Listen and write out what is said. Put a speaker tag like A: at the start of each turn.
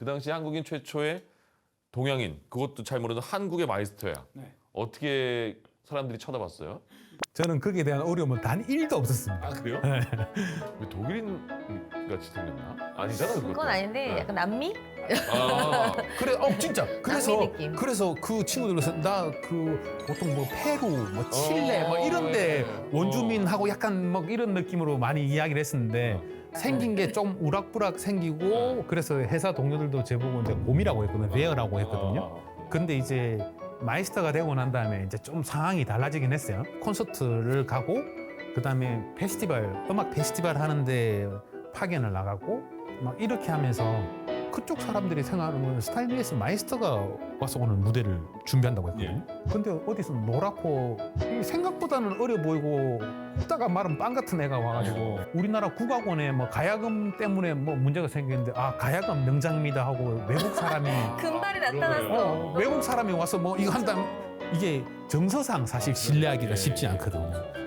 A: 그 당시 한국인 최초의 동양인, 그것도 잘 모르는 한국의 마이스터야.
B: 네.
A: 어떻게 사람들이 쳐다봤어요?
C: 저는 거기에 대한 어려움은 단 1도 없었습니다.
A: 아 그래요? 왜 독일인 같이 생겼나? 아니잖아 그것도.
D: 그건 아닌데
A: 네.
D: 약간 남미?
A: 아,
C: 그래, 진짜. 그래서
D: 느낌.
C: 그래서 그 친구들에서 나 그 보통 뭐 페루, 뭐 칠레, 뭐 이런데
A: 네.
C: 원주민하고 약간 뭐 이런 느낌으로 많이 이야기를 했었는데 생긴 게 좀 우락부락 생기고 그래서 회사 동료들도 제보고 이제 곰이라고 했거든요, 베어라고 했거든요. 근데 이제 마이스터가 되고 난 다음에 이제 좀 상황이 달라지긴 했어요. 콘서트를 가고 그다음에 페스티벌, 음악 페스티벌 하는데 파견을 나가고 막 이렇게 하면서 그쪽 사람들이 생각하는 건 스타일리스트 마이스터가 와서 오늘 무대를 준비한다고 했거든요. 근데 어디서 노랗고 생각보다는 어려 보이고 웃다가 말은 빵 같은 애가 와가지고 우리나라 국악원에 뭐 가야금 때문에 뭐 문제가 생겼는데 아 가야금 명장입니다 하고 외국 사람이
D: 금발이 나타났어.
C: 외국 사람이 와서 뭐 이거 한다면 이게 정서상 사실 신뢰하기가 쉽지 않거든요.